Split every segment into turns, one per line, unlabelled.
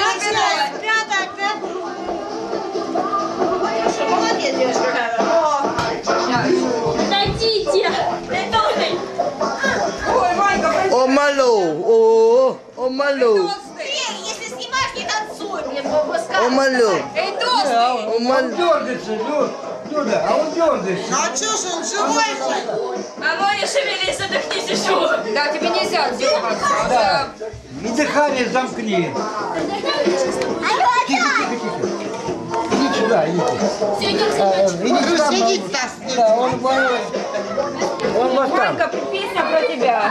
Молодец, девушка.
Дадите.
Ой, Ванька,
О, малу. О, малу.
если снимаешь, не танцуй, блин,
О, малу.
Эй, толстый!
О, малу.
Дергается, Люда, а он дергается.
Ну а чё ж он живой же?
А ну не шевелись, отдохни сижу.
Да, тебе нельзя дергаться.
Да. И дыхание замкни. Иди сюда, иди.
Все, идем снимать.
Иди сюда.
Сидит нас.
Да, он вас там.
Ванька, песня про тебя.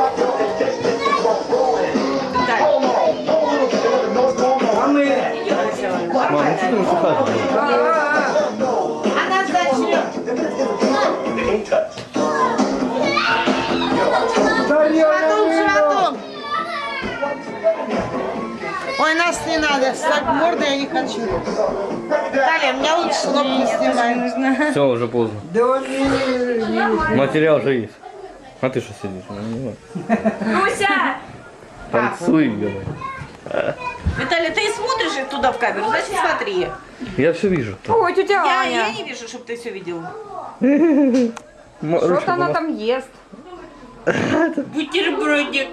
А мы...
Мам, ну что ты высыхаешь?
Она зачем? Животом. Ой, нас не надо, встать мордой я не хочу. Далее, меня лучше не снимай.
Все, уже поздно.
Да он не...
Материал же есть. А ты что сидишь? Ну, не знаю.
Руся!
Танцуй, ё-моё.
Виталий, ты смотришь туда в камеру, значит смотри.
Я все вижу.
Ой, тетя Аня.
Я не вижу, чтобы ты все видел.
Что-то она там ест.
Бутербродик.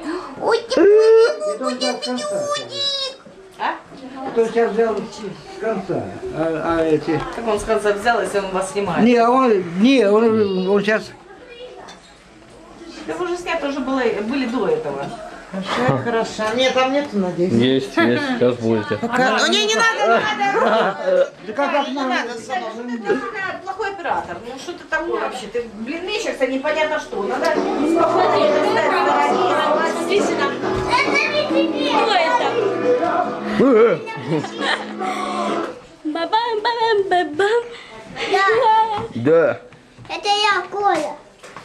А?
Кто сейчас взял с конца? А эти...
Как он с конца взял, если он вас снимает?
Не, он сейчас...
Да вы уже снято уже были до этого. Хорошо. Нет, там нету, надеюсь.
Есть, сейчас будете.
Ну не надо.
Да как
Не надо, сынок. Ты плохой оператор. Ну что ты такое вообще? Ты, блин, мечешься непонятно что. Надо спокойно стать.
Смотрите на. Кто это? Бабам-бабам-бабам.
Да.
Это я, Коля.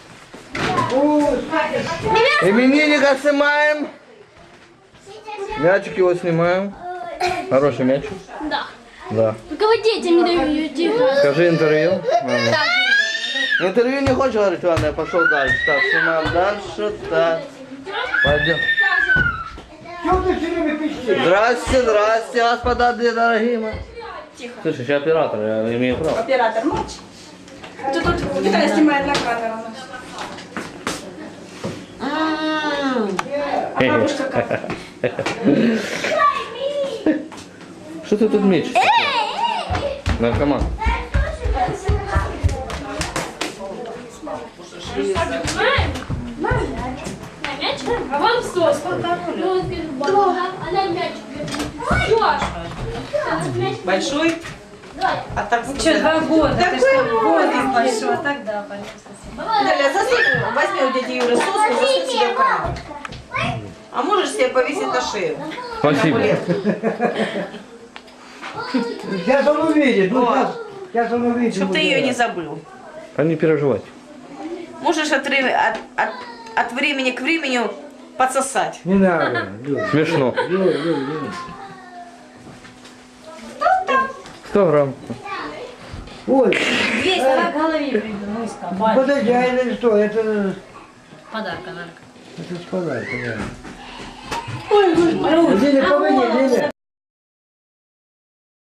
Именинника снимаем. Мячик его снимаем. Хороший мячик.
Да.
Да.
Только вы детям не даете.
Скажи интервью. Интервью не хочешь говорить, ладно, я пошел дальше. Так, снимаем дальше. Так. Пойдем.
Чего ты все время пищишь?
Здрасте, здрасте, господа дорогие мои. Слушай, я оператор, я имею право.
Оператор, молчи. Тут Виталий снимает на камеру.
Что ты тут мечешься? Наркоман.
А вам сос. Она мячик.
Большой? А так
Что, 2 года? Ты что, возраст большой? Тогда,
Далее, засунь, возьми у дяди Юры соску, засунь себе в карман. А можешь себе повесить на шею?
Спасибо.
Сейчас он увидит. Ну, сейчас он увидит.
Чтоб ты ее не забыл.
А не переживать.
Можешь от времени к времени подсосать.
Не надо. Люд.
Смешно. 100 грамм.
Ой,
200 на голове придумал.
подожди, а это что? Это...
Подарок, подарок.
Это с подарка, да. Ой, Лиля, помоги, Лиля.